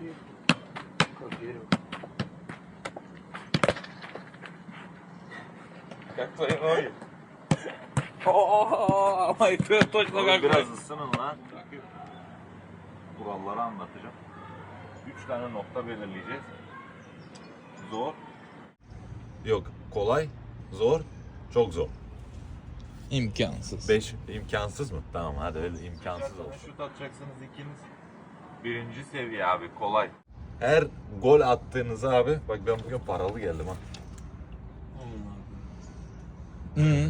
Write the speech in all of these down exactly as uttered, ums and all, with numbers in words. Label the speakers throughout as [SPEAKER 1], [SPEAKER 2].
[SPEAKER 1] Как твои ноги?
[SPEAKER 2] Ooo ama ipi точно как
[SPEAKER 1] Biraz ısının lan. Kuralları anlatacağım. Üç tane nokta belirleyeceğiz. Zor. Yok, kolay, zor, çok zor.
[SPEAKER 2] İmkansız.
[SPEAKER 1] Beş imkansız mı? Tamam hadi öyle imkansız olsun. Şut atacaksınız ikiniz. Birinci seviye abi, kolay. Her gol attığınızı abi, bak ben bugün paralı geldim ha.
[SPEAKER 2] Hı.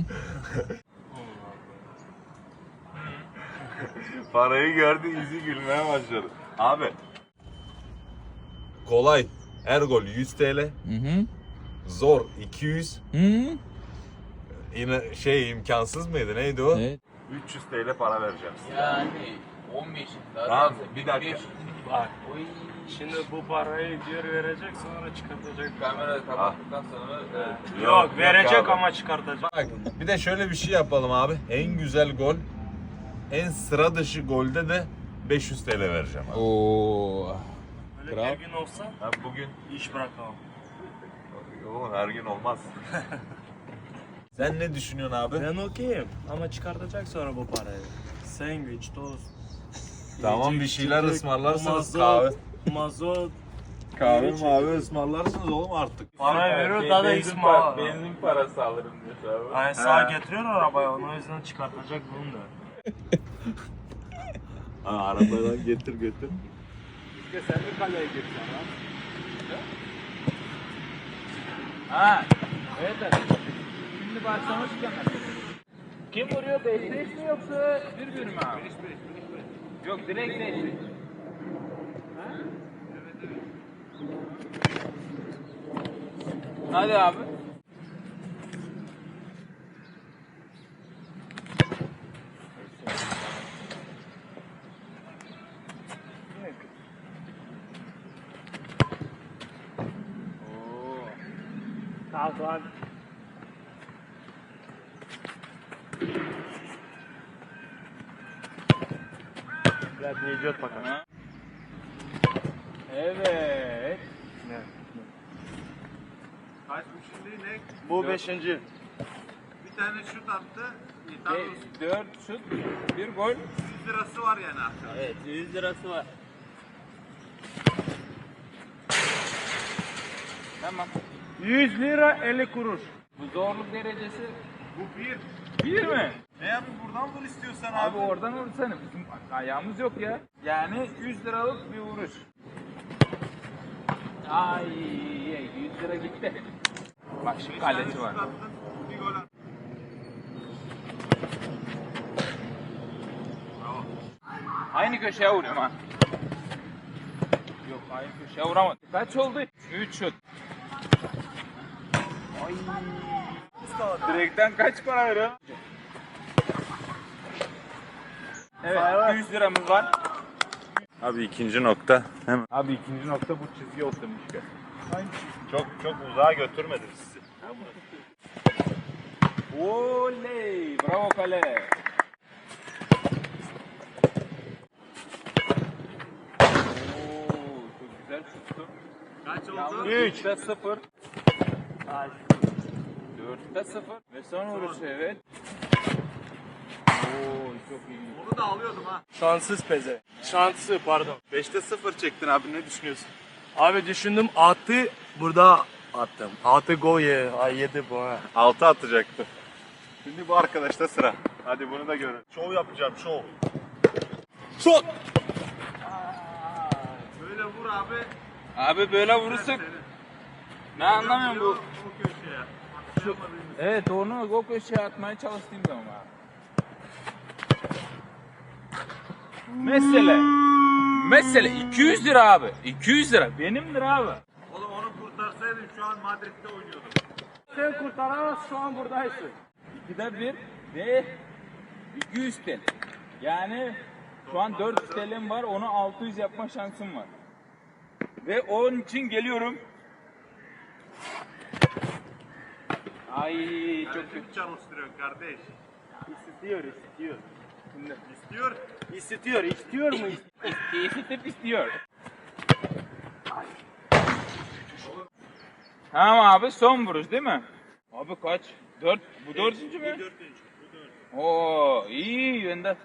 [SPEAKER 1] Parayı gördü, yüzü gülmeye başladı. Abi, kolay, her gol yüz TL,
[SPEAKER 2] Hı hı.
[SPEAKER 1] zor iki yüz,
[SPEAKER 2] Hı.
[SPEAKER 1] yine şey imkansız mıydı, neydi o?
[SPEAKER 2] Evet.
[SPEAKER 1] üç yüz TL para vereceğim size.
[SPEAKER 3] Yani on beş.
[SPEAKER 1] Tamam, bir dakika.
[SPEAKER 4] Bak. Şimdi bu parayı diyor verecek sonra çıkartacak.
[SPEAKER 3] Kamerayı kapattıktan sonra evet.
[SPEAKER 4] Yok, verecek
[SPEAKER 1] abi.
[SPEAKER 4] ama çıkartacak.
[SPEAKER 1] Bak, bir de şöyle bir şey yapalım abi. En güzel gol, en sıra dışı golde de beş yüz TL vereceğim abi.
[SPEAKER 2] Oo.
[SPEAKER 4] Böyle
[SPEAKER 2] Kral.
[SPEAKER 4] her gün olsa
[SPEAKER 1] Ben bugün,
[SPEAKER 4] iş bırakamam.
[SPEAKER 1] oğlum her gün olmaz. Sen ne düşünüyorsun abi?
[SPEAKER 4] Ben okeyim ama çıkartacak sonra bu parayı. Sandviç, tost.
[SPEAKER 1] Tamam,
[SPEAKER 4] yiyecek,
[SPEAKER 1] bir şeyler
[SPEAKER 4] içecek,
[SPEAKER 1] ısmarlarsınız,
[SPEAKER 4] mazot,
[SPEAKER 1] kahve.
[SPEAKER 4] Mazot.
[SPEAKER 1] Kahve
[SPEAKER 4] yiyecek.
[SPEAKER 1] mavi ısmarlarsınız oğlum artık.
[SPEAKER 4] Para veriyor daha da
[SPEAKER 3] benzin,
[SPEAKER 4] ismi
[SPEAKER 3] par-
[SPEAKER 4] var.
[SPEAKER 3] benzin parası alırım diyor abi.
[SPEAKER 4] Ay sağ getiriyor arabaya onu o yüzden çıkartacak bunu da.
[SPEAKER 1] Ha, arabadan getir götür.
[SPEAKER 3] İşte sen de kaleye gireceksin ha. Ha. Evet evet. Şimdi başlamışken kim vuruyor? beş beş mi yoksa bir bir mi abi? beş beş. Yok direkt beş beş. Hadi abi.
[SPEAKER 4] Kalk lan. Biraz ne idiot bakar.
[SPEAKER 3] Evet.
[SPEAKER 5] Kaç bu şimdi ne?
[SPEAKER 4] Bu beşinci.
[SPEAKER 5] Bir tane şut attı.
[SPEAKER 3] Beş, dört şut, bir gol.
[SPEAKER 5] yüz lirası var yani aslında.
[SPEAKER 3] Evet, yüz lirası var. Tamam.
[SPEAKER 4] yüz lira elli kuruş.
[SPEAKER 3] Bu zorluk derecesi
[SPEAKER 5] Bu bir.
[SPEAKER 3] bir mi?
[SPEAKER 5] Ne yapayım buradan vur istiyorsan abi.
[SPEAKER 3] Abi oradan vursana. Bizim ayağımız yok ya. Yani yüz liralık bir vuruş. Ay, yüz lira gitti. Bak şimdi
[SPEAKER 5] Bir tane
[SPEAKER 3] kaleci
[SPEAKER 5] şut
[SPEAKER 3] var.
[SPEAKER 5] attın, bir gol attın. Bravo.
[SPEAKER 3] Aynı köşeye vuruyorum ha. Yok aynı köşeye vuramadım. Kaç oldu? üç şut. Ay. Direkten kaç para veriyor? Evet, yüz liramız var.
[SPEAKER 1] Abi ikinci nokta. Hemen.
[SPEAKER 3] Abi ikinci nokta bu çizgi oturmuş.
[SPEAKER 1] Çok çok uzağa götürmedim sizi.
[SPEAKER 3] Oley! Bravo kale. Oo, çok güzel şuttu.
[SPEAKER 5] Kaç oldu?
[SPEAKER 3] Yalnız üçte sıfır. dörtte sıfır. Ve son vuruşu evet. Oo, çok iyi.
[SPEAKER 5] Onu da alıyordum ha.
[SPEAKER 4] Şanssız peze. Şansı pardon.
[SPEAKER 1] beşte sıfır çektin abi, ne düşünüyorsun?
[SPEAKER 4] Abi düşündüm atı burada attım. Atı gol ye. Ay yedi bu ha.
[SPEAKER 1] altı atacaktı. Şimdi bu arkadaşta sıra. Hadi bunu da görün. Şov yapacağım, şov.
[SPEAKER 2] Şut.
[SPEAKER 5] Böyle vur abi.
[SPEAKER 3] Abi böyle vurursak ne anlamıyorum bu.
[SPEAKER 5] O köşeye. Atlayamadığımız.
[SPEAKER 3] Evet onu o köşeye atmaya çalıştığım zaman abi. Mesele. Mesele iki yüz lira abi. iki yüz lira. Benimdir abi.
[SPEAKER 5] Oğlum onu kurtarsaydın şu an Madrid'de oynuyordum.
[SPEAKER 4] Sen kurtaramaz şu an buradaysın.
[SPEAKER 3] ikide bir ve iki yüz T L. Yani şu an dört yüz T L'm var. Onu altı yüz yapma şansım var. Ve onun için geliyorum. Ay çok
[SPEAKER 5] Çok
[SPEAKER 3] kötü.
[SPEAKER 5] çalıştırıyor kardeş.
[SPEAKER 4] İstiyor, istiyor.
[SPEAKER 5] İstiyor.
[SPEAKER 4] İstiyor, istiyor mu?
[SPEAKER 3] İsteyip istiyor. Tamam abi, son vuruş değil mi? Abi kaç? Dört. Bu dördüncü mü? Bu dördüncü. Oo, iyi yönde.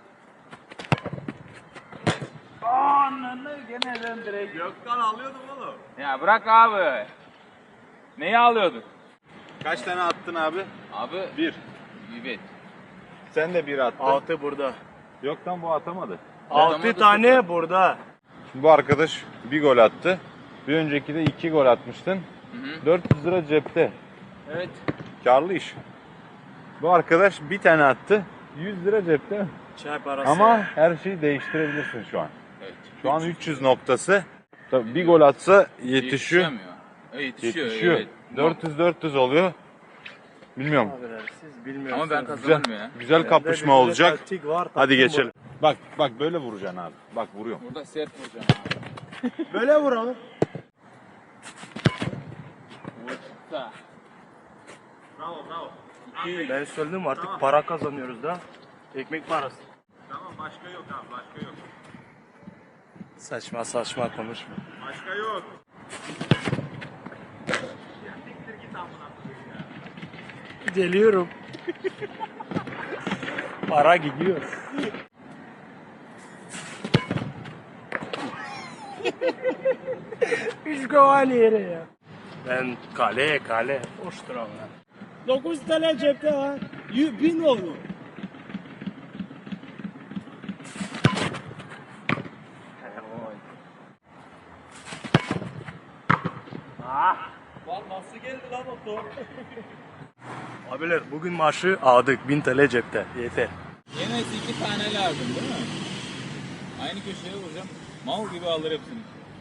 [SPEAKER 3] Ananı gene ben direkt.
[SPEAKER 5] Gökten alıyordum oğlum.
[SPEAKER 3] Ya bırak abi. Neyi alıyordun?
[SPEAKER 1] Kaç tane attın abi?
[SPEAKER 3] Abi.
[SPEAKER 1] Bir.
[SPEAKER 3] Evet.
[SPEAKER 1] Sen de bir attın.
[SPEAKER 4] Altı burada.
[SPEAKER 1] Yoktan bu atamadı.
[SPEAKER 4] Altı tane burada.
[SPEAKER 1] Şimdi bu arkadaş bir gol attı. Bir önceki de iki gol atmıştın.
[SPEAKER 3] Hı hı.
[SPEAKER 1] dört yüz lira cepte.
[SPEAKER 3] Evet.
[SPEAKER 1] Karlı iş. Bu arkadaş bir tane attı. yüz lira cepte.
[SPEAKER 4] Çay parası.
[SPEAKER 1] Ama her şeyi değiştirebilirsin şu an.
[SPEAKER 3] Evet.
[SPEAKER 1] Şu an üç yüz noktası. Tabii bir gol atsa yetişiyor.
[SPEAKER 3] Yetişemiyor. E, Yetişiyor.
[SPEAKER 1] Yetişiyor.
[SPEAKER 3] Evet.
[SPEAKER 1] dört yüz dört yüz oluyor. Bilmiyorum.
[SPEAKER 4] Abiler, siz bilmiyorsunuz.
[SPEAKER 3] Ama ben
[SPEAKER 1] Güzel,
[SPEAKER 3] kazanırım ya.
[SPEAKER 1] güzel
[SPEAKER 4] Bende
[SPEAKER 1] kapışma
[SPEAKER 4] bir
[SPEAKER 1] olacak.
[SPEAKER 4] taktik var,
[SPEAKER 1] Hadi
[SPEAKER 4] taktik
[SPEAKER 1] geçelim. Bak bak böyle vuracaksın abi. Bak vuruyorum.
[SPEAKER 3] Burada sert vuracağım abi.
[SPEAKER 4] var. Böyle vuralım.
[SPEAKER 3] Vursa.
[SPEAKER 5] Bravo bravo.
[SPEAKER 4] Ben söyledim artık para kazanıyoruz da. Ekmek parası.
[SPEAKER 5] Tamam başka yok abi başka yok.
[SPEAKER 4] Saçma saçma konuşma.
[SPEAKER 5] Başka yok. Ya siktir git amına koyayım ya.
[SPEAKER 4] Geliyorum. Para gidiyor. Üç kovani yere ya. Ben kale kale. Hoştur ama. Dokuz tane cepte var. Yüz bin oldu. Abiler bugün maaşı aldık. Bin T L cepte. Yeter.
[SPEAKER 3] Yemesi iki tane lazım değil mi? Aynı köşeye vuracağım. Mal gibi alır hepsini.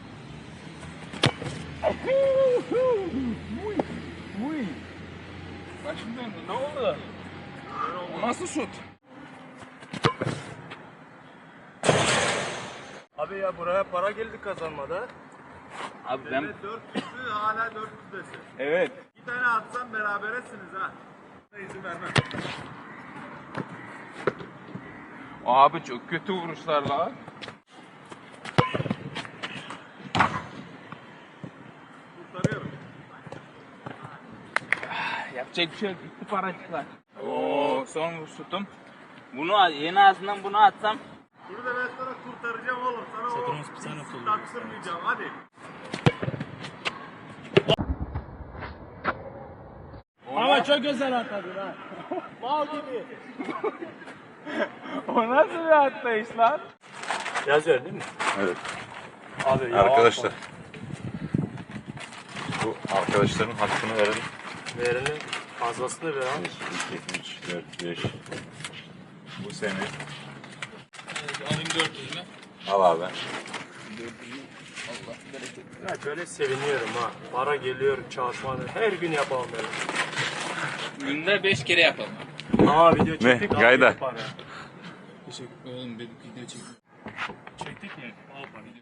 [SPEAKER 3] Başım döndü. Ne oldu? O nasıl şut?
[SPEAKER 4] Abi ya buraya para geldi kazanmada.
[SPEAKER 3] Abi ben...
[SPEAKER 5] Evet dört yüzü hala dört yüzdesin.
[SPEAKER 3] Evet.
[SPEAKER 5] İki tane atsam beraberesiniz ha. İzin vermem.
[SPEAKER 3] Abi çok kötü vuruşlar la.
[SPEAKER 5] Kurtarıyorum.
[SPEAKER 3] Yapacak bir şey yok. Gitti paracıklar. Oo, son vuruş şutum. Bunu yeni ağzından bunu atsam.
[SPEAKER 5] Bunu da ben sana kurtaracağım oğlum. Sana o taktırmayacağım hadi.
[SPEAKER 4] Ama çok güzel atladın ha. Mal gibi.
[SPEAKER 3] O nasıl bir atlayış lan?
[SPEAKER 4] Yazıyor değil mi?
[SPEAKER 1] Evet.
[SPEAKER 4] Abi ya.
[SPEAKER 1] Arkadaşlar. Bu arkadaşların hakkını verelim.
[SPEAKER 4] Verelim. Fazlasını ver abi.
[SPEAKER 1] bir, iki, üç, dört, beş. Bu senin.
[SPEAKER 3] Alayım dört yüz mü?
[SPEAKER 1] Al abi.
[SPEAKER 3] Allah bereket.
[SPEAKER 4] Ya böyle seviniyorum ha. Para geliyor çalışmaları. Her gün yapalım böyle.
[SPEAKER 3] Günde beş kere yapalım.
[SPEAKER 4] Aa video çektik. al
[SPEAKER 1] Gayda.
[SPEAKER 4] video para.
[SPEAKER 3] Oğlum bir video çektim.
[SPEAKER 4] Çektik ya. Al para.